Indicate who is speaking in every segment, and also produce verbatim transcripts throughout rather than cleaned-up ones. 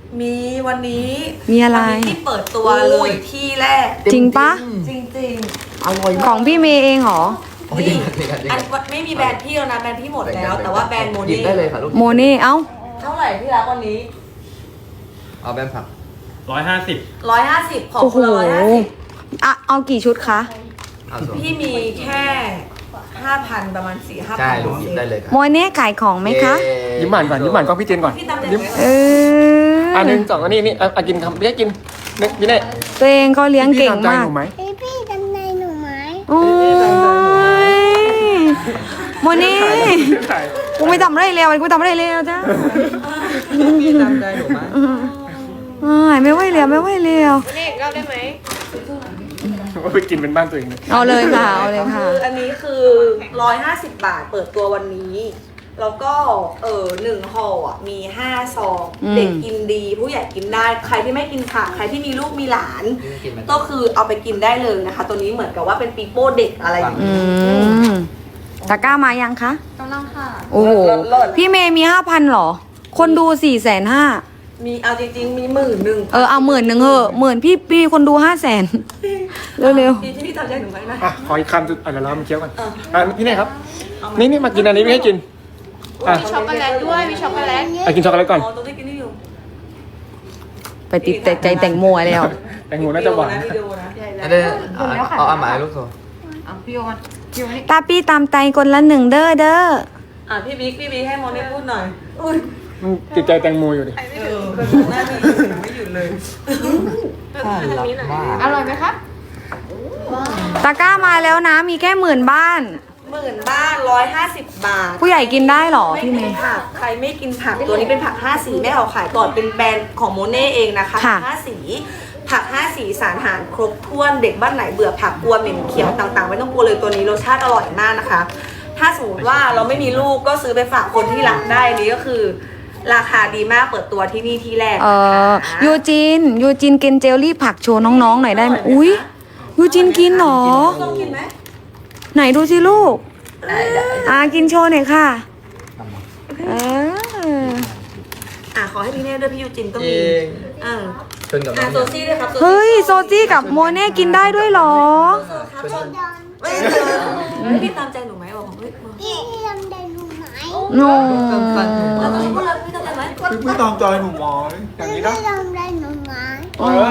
Speaker 1: มีวันนี้
Speaker 2: มีอะไร
Speaker 1: วันนี้ที่เปิดตัวเลยที่แรก
Speaker 2: จริงปะ
Speaker 1: จริง
Speaker 3: อร่อย
Speaker 2: ของพี่เมย์เองเหรอ
Speaker 3: โอ้ย
Speaker 1: ๆนี่
Speaker 3: ดีกันดี
Speaker 1: อั
Speaker 3: กัน น
Speaker 1: ไม่มีแบรนด์พี่แล้วนะแบรนด์พี่หมดแล้ว แต่ว่าแบรนด์โม
Speaker 3: หยิบ
Speaker 1: นี่
Speaker 3: ได้เลยค่ะลูก
Speaker 2: โมเน่เอ้า
Speaker 1: เท่าไหร่ที่รักวันนี้
Speaker 3: เอาแบนผัก
Speaker 4: ร้อยห้าสิบ
Speaker 1: ร้อยห้าสิบของ
Speaker 2: โอ้โห
Speaker 1: คุณร้อยห้าสิบ
Speaker 2: อ่ะเอากี่ชุดคะ
Speaker 3: เอาส่วน
Speaker 1: พี่มีแค่ห้าพันประมาณสี่ห้า
Speaker 3: ใช่
Speaker 1: พัน
Speaker 3: ลูกหยิบได้เลยครับ
Speaker 2: โมเน่ขายของไหมคะ
Speaker 3: เย้
Speaker 5: ยิ้มหวานก่อนยิ้มหวานกล้องพี่เจนก่อน
Speaker 1: พี่ตามใจ
Speaker 5: ยิ้ม
Speaker 1: ไหม
Speaker 2: เออ
Speaker 5: อันหนึ่งสองอันนี้นี่เอาเอากินคำพี่ให้กินนี่พี่เน่
Speaker 2: ตัวเองก็เลี้ยงเก่ง
Speaker 5: พี่ตใจ
Speaker 2: มาก
Speaker 5: หนูไหม
Speaker 6: พี่พี่จำได้หนูไหม
Speaker 2: โอ้ยโมเน่กูไม่ทำอะไรแล้วกูทำอะไรแล้วจ้า
Speaker 3: พี่ตามใจหนูไหม
Speaker 2: อ่าไม่ไหวแล้วไม่ไหวแล้ว
Speaker 5: ว่าไปกินเป็นบ้านตัวเองเลย
Speaker 2: เอาเลยค่ะเอาเลยค่ะ
Speaker 1: คืออันนี้คือร้อยห้าสิบบาทเปิดตัววันนี้ แล้วก็เออหนึ่งห่ออ่ะมีห้าซอง
Speaker 2: อืม
Speaker 1: เด็กกินดี ผู้ใหญ่กินได้ ใครที่ไม่กินผักใครที่มีลูกมีหลาน
Speaker 3: พี่กินไหม
Speaker 1: ก็คือเอาไปกินได้เลยนะคะ ตัวนี้เหมือนกับว่าเป็นปีโป้เด็กอะไรอย่าง
Speaker 2: อื
Speaker 1: นี้
Speaker 2: มตะกร้ามายังคะ
Speaker 6: กำลังค่ะ
Speaker 2: โอ้โห พี่เมย์มีห้าพันหรอ คนดูสี่แสนห้า
Speaker 1: มีเอาจริงๆมีหมื่นหนึ่ง
Speaker 2: เออเอาหมื่นหนึ่งเหอะหมื่นพี่พี่คนดูห้าแสนเร็ว
Speaker 1: พี่ที่พี่ทำใจหนูไหมนะ
Speaker 5: อ่ะขออีกคำสุดอ่ะเดี๋ยวเรามาเคี้ยวกัน
Speaker 1: เออ
Speaker 5: อ่ะพี่เน่ครับ นี่นี่มากินอันนี้พี่ให้กินอ่ะ
Speaker 6: มีช็อกโกแลตด้วยมีช็อกโกแลต
Speaker 5: อ่ะกินช็อกโกแลตก่อน
Speaker 1: อ๋อตรงที่กินนี่อยู่
Speaker 2: ๆ ไปติดแต่ใจแต่งโมแล้ว
Speaker 5: แตงโมน่าจะหวาน
Speaker 1: วิดีโอนะ
Speaker 3: อันนี้เอาเอาเอาหมายลูกโซ่
Speaker 2: ตาปี้ตามใจคนละหนึ่งเด้อเด้อ
Speaker 1: อ่ะพี่บิ๊กพี่บิ๊กให้โมนี่พูดหน่อย
Speaker 5: มันติดใจแตงโมอยู่ดิ
Speaker 1: เออหน้าพี่ไม่หยุดเลย
Speaker 3: น่ารักมาก
Speaker 6: อร่อยไหมคะ
Speaker 2: ตะกร้ามาแล้วนะมีแค่หมื่นบ้าน
Speaker 1: หมื่นบ้านร้อยห้าสิบบาท
Speaker 2: ผู้ใหญ่กินได้เหรอ
Speaker 1: ไม่
Speaker 2: พี่เม
Speaker 1: กิน
Speaker 2: ย์
Speaker 1: ผักใครไม่กินผักตัวนี้เป็นผักห้าสีแม่เอาขายก่อนเป็นแบรนด์ของโมเน่เองนะคะ
Speaker 2: ค่ะ
Speaker 1: ผักห้าสีผักห้าสีสารอาหารครบถ้วนเด็กบ้านไหนเบื่อผักกลัวเหม็นเขียวต่างๆไม่ต้องกลัวเลยตัวนี้รสชาติอร่อยมากนะคะ ถ้าสมมติว่าเราไม่มีลูกก็ซื้อไปฝากคนที่รักได้อันนี้ก็คือ ราคาดีมากเปิดตัวที่นี่ที่แรก
Speaker 2: เออยูจินยูจินกินเจลลี่ผักโชว์น้องๆหน่อยได้ไหมอุ้ยยูจินกินเหรอ
Speaker 1: ต้องกินไหม
Speaker 2: ไหนดูสิลูก
Speaker 1: ได้ได้
Speaker 2: อ่ากินโชว์หน่อยค่ะเออ
Speaker 1: อ่ะขอให้พี่เน่ด้วยพี่ยูจินก็
Speaker 3: เอ
Speaker 1: มี
Speaker 3: ง
Speaker 1: อ่า
Speaker 3: ชนกับน้
Speaker 1: อ่ะ
Speaker 3: อง
Speaker 1: โซซี่ด้วยครับ
Speaker 2: เฮ้ยโซจี้กับโมเน่กินได้ด้วยเหรอ
Speaker 1: ครับชนไม่เจอพี่ตามใจหนูไหมบอกผมเฮ้ย
Speaker 6: พี่พี่จำได้หนูไหม
Speaker 2: โน
Speaker 1: แล้วพี่พูดแล้วพี่ตามใจไหม
Speaker 5: พี่พี่ตามใจหนูไหมอย่าง
Speaker 6: พี่
Speaker 5: นี้
Speaker 6: พี่
Speaker 5: นะ
Speaker 6: จำได้หนูไหม
Speaker 5: เออ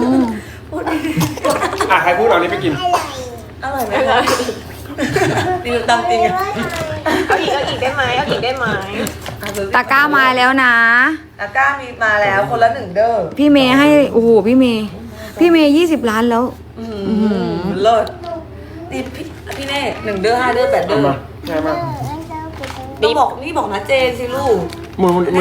Speaker 5: อ่ะใครพูดเอานี้ไปกิน
Speaker 6: อะไร
Speaker 1: อร่อยไหมคะดีตามจริงอะ
Speaker 6: เอาอีกเอาอีกได้ไหมเอาอีกได้ไหม
Speaker 2: ตะกร้ามาแล้วนะ
Speaker 1: ตะกร้ามีมาแล้วคนละหนึ่งเด้อ
Speaker 2: พี่เมย์ให้โอ้โหพี่เมย์พี่เมย์ยี่สิบล้านแล้ว
Speaker 1: อืมเลิศนี่พี่พี่เน่หนึ่งเด้อห้าเด้อแปดเด้
Speaker 5: เอา
Speaker 1: อ
Speaker 5: มาใช่มา
Speaker 1: ต้องบอกนี่บอกนะเจนสิลูก
Speaker 5: หมูหมู